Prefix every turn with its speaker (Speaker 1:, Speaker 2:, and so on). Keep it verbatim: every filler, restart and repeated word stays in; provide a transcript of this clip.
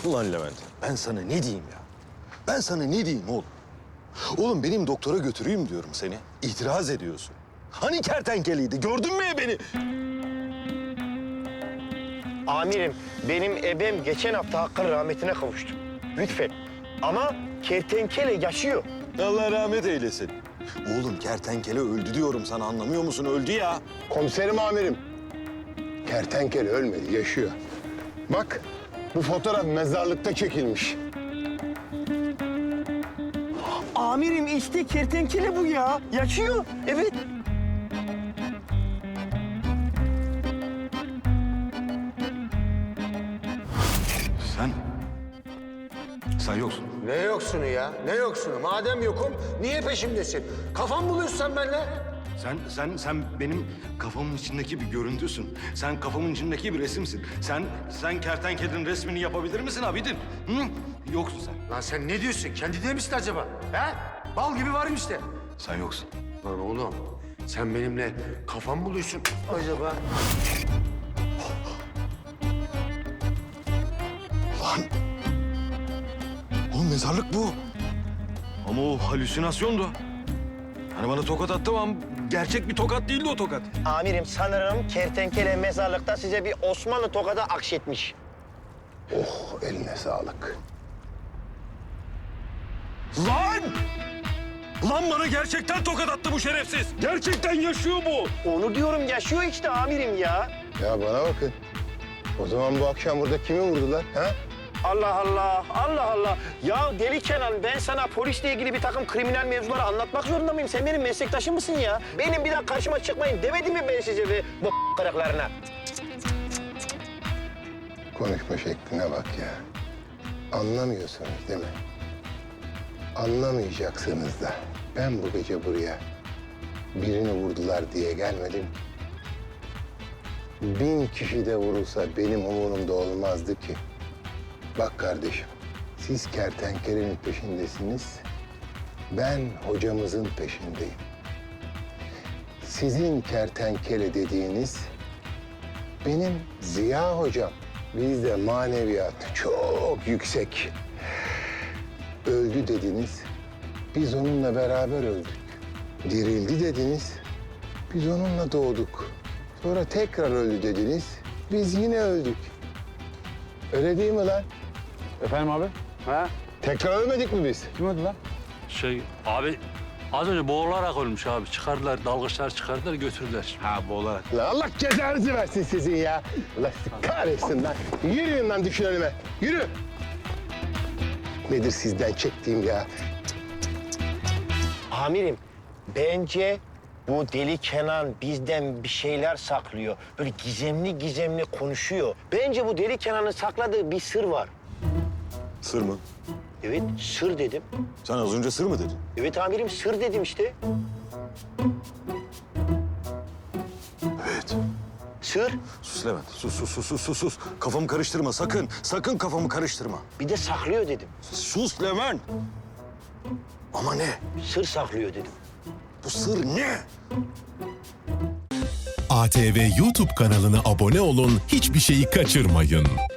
Speaker 1: Ulan Levent, ben sana ne diyeyim ya? Ben sana ne diyeyim oğlum? Oğlum benim doktora götüreyim diyorum seni. İtiraz ediyorsun. Hani kertenkeleydi, gördün mü beni?
Speaker 2: Amirim, benim ebem geçen hafta Hakk'ın rahmetine kavuştu. Lütfen. Ama kertenkele yaşıyor.
Speaker 1: Allah rahmet eylesin. Oğlum kertenkele öldü diyorum sana, anlamıyor musun? Öldü ya.
Speaker 3: Komiserim amirim. Kertenkele ölmedi, yaşıyor. Bak, bu fotoğraf mezarlıkta çekilmiş.
Speaker 2: Amirim işte kertenkele bu ya. Yaşıyor. Evet.
Speaker 1: Sen... Sen yoksun.
Speaker 4: Ne yoksunu ya? Ne yoksunu? Madem yokum, niye peşimdesin? Kafam buluyorsun sen benimle.
Speaker 1: Sen, sen, sen benim kafamın içindeki bir görüntüsün. Sen kafamın içindeki bir resimsin. Sen, sen kertenkelenin resmini yapabilir misin Abidin? Hı? Yoksun sen.
Speaker 4: Lan sen ne diyorsun? Kendine misin acaba? He? Bal gibi varım işte.
Speaker 1: Sen yoksun.
Speaker 4: Lan oğlum, sen benimle kafam buluyorsun acaba?
Speaker 1: Lan! Oğlum mezarlık bu. Ama o halüsinasyondu. Hani bana tokat attı ama gerçek bir tokat değildi o tokat.
Speaker 2: Amirim sanırım kertenkele mezarlıkta size bir Osmanlı tokadı akşetmiş.
Speaker 3: Oh, eline sağlık.
Speaker 1: Lan! Lan bana gerçekten tokat attı bu şerefsiz. Gerçekten yaşıyor bu.
Speaker 2: Onu diyorum yaşıyor işte amirim ya.
Speaker 3: Ya bana bakın. O zaman bu akşam burada kimi vurdular, ha?
Speaker 2: Allah Allah, Allah Allah. Ya deli Kenan, ben sana polisle ilgili bir takım kriminal mevzuları anlatmak zorunda mıyım? Sen benim meslektaşım mısın ya? Benim bir daha karşıma çıkmayın demedim mi ben size ve bu kırıklarına?
Speaker 3: Konuşma şekline bak ya. Anlamıyorsunuz değil mi? Anlamayacaksınız da. Ben bu gece buraya birini vurdular diye gelmedim. Bin kişi de vurulsa benim umurumda olmazdı ki. Bak kardeşim, siz kertenkelenin peşindesiniz. Ben hocamızın peşindeyim. Sizin kertenkele dediğiniz benim Ziya hocam. Bizde maneviyat çok yüksek. Öldü dediniz, biz onunla beraber öldük. Dirildi dediniz, biz onunla doğduk. Sonra tekrar öldü dediniz, biz yine öldük. Öyle değil mi lan?
Speaker 5: Efendim abi? Ha?
Speaker 3: Tekrar ölmedik mi biz?
Speaker 5: Kim öldü lan?
Speaker 6: Şey abi az önce boğularak ölmüş abi. Çıkardılar, dalgıçlar çıkardılar, götürdüler.
Speaker 1: Ha bu olarak.
Speaker 3: Lan Allah cezanızı versin sizin ya. Allah sizi kahretsin lan. Yürüyün lan düşün önüme. Yürü. Nedir sizden çektiğim ya?
Speaker 2: Amirim, bence bu deli Kenan bizden bir şeyler saklıyor. Böyle gizemli gizemli konuşuyor. Bence bu deli Kenan'ın sakladığı bir sır var.
Speaker 1: Sır mı?
Speaker 2: Evet, sır dedim.
Speaker 1: Sen az önce sır mı dedin?
Speaker 2: Evet amirim, sır dedim işte.
Speaker 1: Evet.
Speaker 2: Sır.
Speaker 1: Sus Levent. Sus, sus, sus, sus, sus, sus. Kafamı karıştırma sakın. Sakın kafamı karıştırma.
Speaker 2: Bir de saklıyor dedim.
Speaker 1: Sus Levent. Ama ne?
Speaker 2: Sır saklıyor dedim.
Speaker 1: Bu sır ne?
Speaker 7: A T V YouTube kanalına abone olun, hiçbir şeyi kaçırmayın.